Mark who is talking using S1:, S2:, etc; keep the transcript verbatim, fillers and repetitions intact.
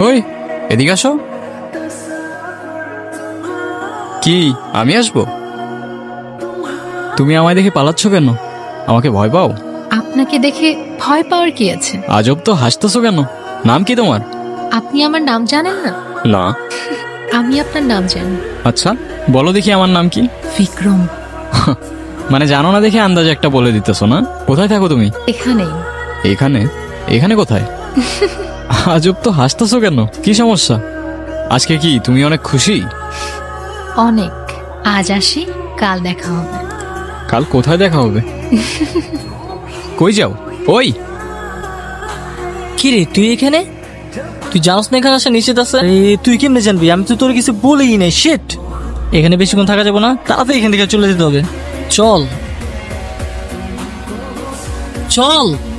S1: ওই এদিকে আসো। কি আমি আসবো? তুমি আমায় দেখে পালাচ্ছ কেন? আমাকে ভয় পাও?
S2: আপনাকে দেখে ভয় পাওয়ার কি আছে?
S1: আজব তো, হাসতেছো কেন? নাম কি তোমার?
S2: আপনি আমার নাম জানেন না?
S1: না।
S2: আমি আপনার নাম জানি।
S1: আচ্ছা বলো দেখি আমার নাম কি?
S2: বিক্রম।
S1: মানে জানো না দেখে আন্দাজে একটা বলে দিতেছো না? কোথায় থাকো তুমি?
S2: এখানেই।
S1: এখানে? এখানে কোথায়? আজব তো, হাসতেছো কেন? কি সমস্যা? আজকে কি তুমি অনেক খুশি?
S2: অনেক। আজ আসি, কাল দেখা হবে।
S1: কাল কোথায় দেখা হবে? কই যাও? ওই
S3: কি রে তুই এখানে? তুই জানোস না এখানে আসা নিষেধ আছে? এ, তুই কেমনে জানবি? আমি তো তোর কিছু বলেই নাই। শিট, এখানে বেশিক্ষণ থাকা যাবে না, তাড়াতাড়ি এখান থেকে চলে যেতে হবে। চল চল।